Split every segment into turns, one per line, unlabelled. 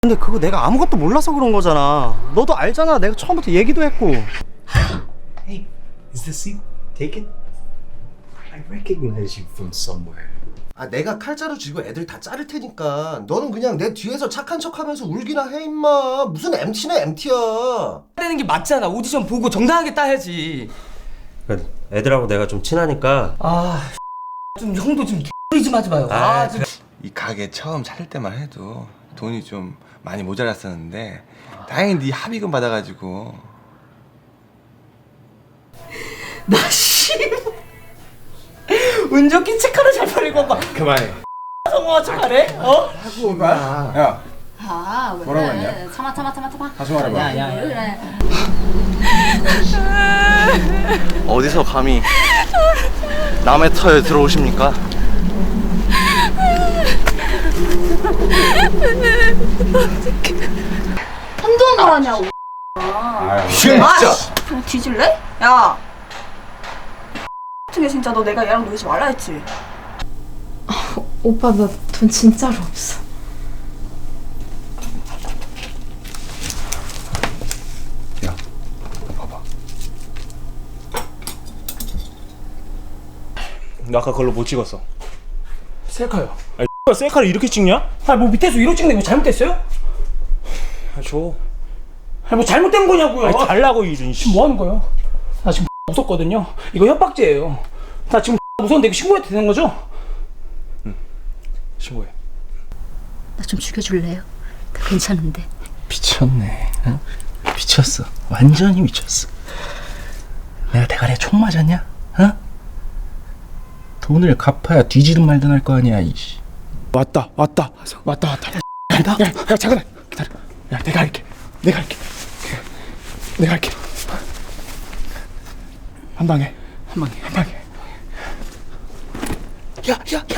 근데 그거 내가 아무것도 몰라서 그런 거잖아. 너도 알잖아. 내가 처음부터 얘기도 했고.
Hey, is the seat taken? I recognize you from somewhere.
아 내가 칼자루 쥐고 애들 다 자를 테니까 너는 그냥 내 뒤에서 착한 척하면서 울기나 해 임마. 무슨 MT나 MT야.
되는 게 맞잖아. 오디션 보고 정당하게 따야지.
애들하고 내가 좀 친하니까.
좀 형도 좀 X리 좀 하지 마요. 좀.
이 가게 처음 차릴 때만 해도 돈이 좀 많이 모자랐었는데 다행히 네 합의금 받아가지고.
나 씨. 운전기 체크를 잘 팔리고 막
그만해.
성공한 척하네. 어?
야,
아, 왜
뭐라고
그래?
했냐?
참아.
다시 말해봐.
왜 그래?
어디서 감히 남의 터에 들어오십니까?
한두 번 하냐고.
진짜.
그냥 뒤질래? 야. 어떻게 진짜 너 내가 얘랑 놀지 말라 했지?
오빠 나 돈 진짜로 없어.
야, 봐봐.
나 아까 그걸로 못 찍었어.
셀카요.
아니 셀카를 이렇게 찍냐?
뭐 밑에서 위로 찍는 거 잘못됐어요?
아, 줘.
뭐 잘못된 거냐고요.
아니 달라고 이준 씨.
지금 뭐 하는 거예요? 나 지금 무섭거든요. 이거 협박죄예요. 나 지금 무서운데 이거 신고해도 되는 거죠?
신고해.
나 좀 죽여줄래요? 나 괜찮은데.
미쳤네. 어? 미쳤어. 완전히 미쳤어. 내가 대가리에 총 맞았냐? 어? 돈을 갚아야 뒤지든 말든 할 거 아니야. 이씨.
왔다. 간다. 야 잠깐만 기다려. 야 내가 할게. 한 방에. 야.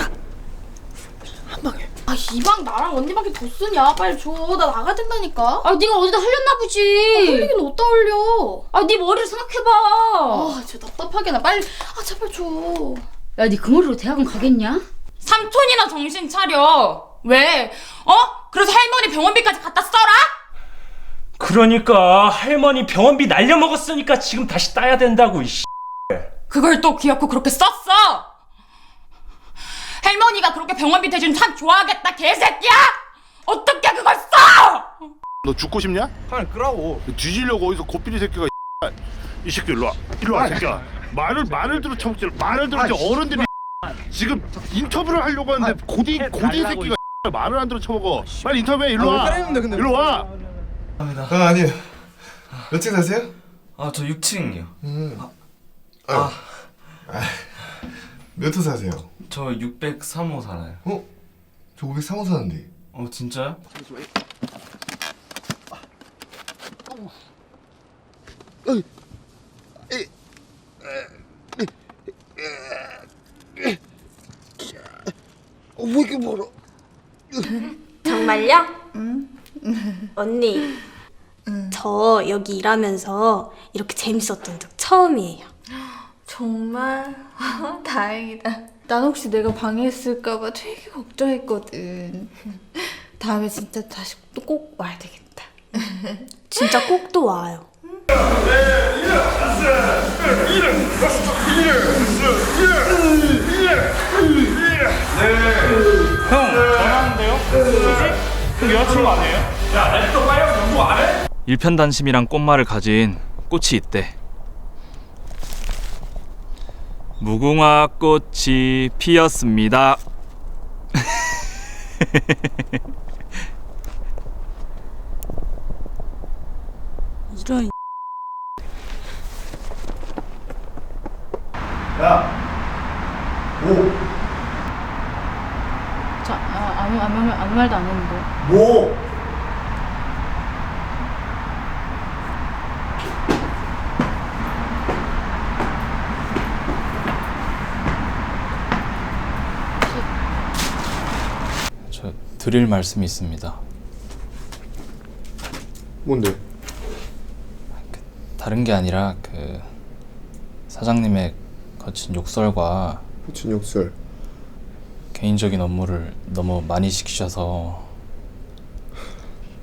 아 이방 나랑 언니밖에 더 쓰냐? 빨리 줘. 나 나가야 된다니까. 아 네가 어디다 흘렸나 보지. 흘리긴 어디다 흘려. 아 네 머리를 생각해봐. 아 진짜 답답하게 나 빨리. 아 제발 줘.
야, 네 그 머리로 대학원 가겠냐?
삼촌이나 정신 차려. 왜? 그래서 할머니 병원비까지 갖다 써라?
그러니까 할머니 병원비 날려먹었으니까 지금 다시 따야 된다고 이씨.
그걸 또 귀엽고 그렇게 썼어? 할머니가 그렇게 병원비 대준 참 좋아하겠다, 개새끼야! 어떻게 그걸 써!
너 죽고 싶냐?
빨리 끄라고.
뒤지려고 어디서 고삐리 새끼가 이 새끼 일로 와 새끼야. 말을 들어 처먹지 말을 들어 어른들이 지금 인터뷰를 하려고 하는데 고디 새끼가 말을 안 들어 처먹어. 빨리 인터뷰해. 일로 와. 일로 와.
아니요. 몇 층 사세요?
저 6층이요.
몇 호 사세요?
저 603호 살아요.
저 503호 사는데.
진짜요?
왜 이렇게 멀어?
정말요? 언니, 저 여기 일하면서 이렇게 재밌었던 적 처음이에요.
정말 다행이다. 난 혹시 내가 방해했을까봐 되게 걱정했거든. 다음에 진짜 다시 또 꼭 와야 되겠다.
진짜 꼭 또 와요.
형 전화하는데요? 그 여자친구 아니에요? 야 랩도 빨리 연구 안 해?
일편단심이란 꽃말을 가진 꽃이 있대. 무궁화 꽃이 피었습니다.
이런.
저 아무 말도 안 했는데.
뭐?
저 드릴 말씀이 있습니다.
뭔데?
다른 게 아니라 그 사장님의 거친 욕설과
호친 욕설.
개인적인 업무를 너무 많이 시키셔서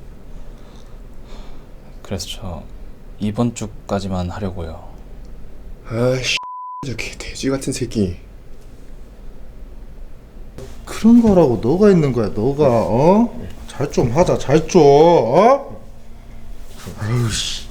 그래서 저 이번 주까지만 하려고요.
아이씨, 저 개돼지 같은 새끼. 그런 거라고 너가 있는 거야, 너가. 잘 좀 하자, 잘 좀. 아유 씨.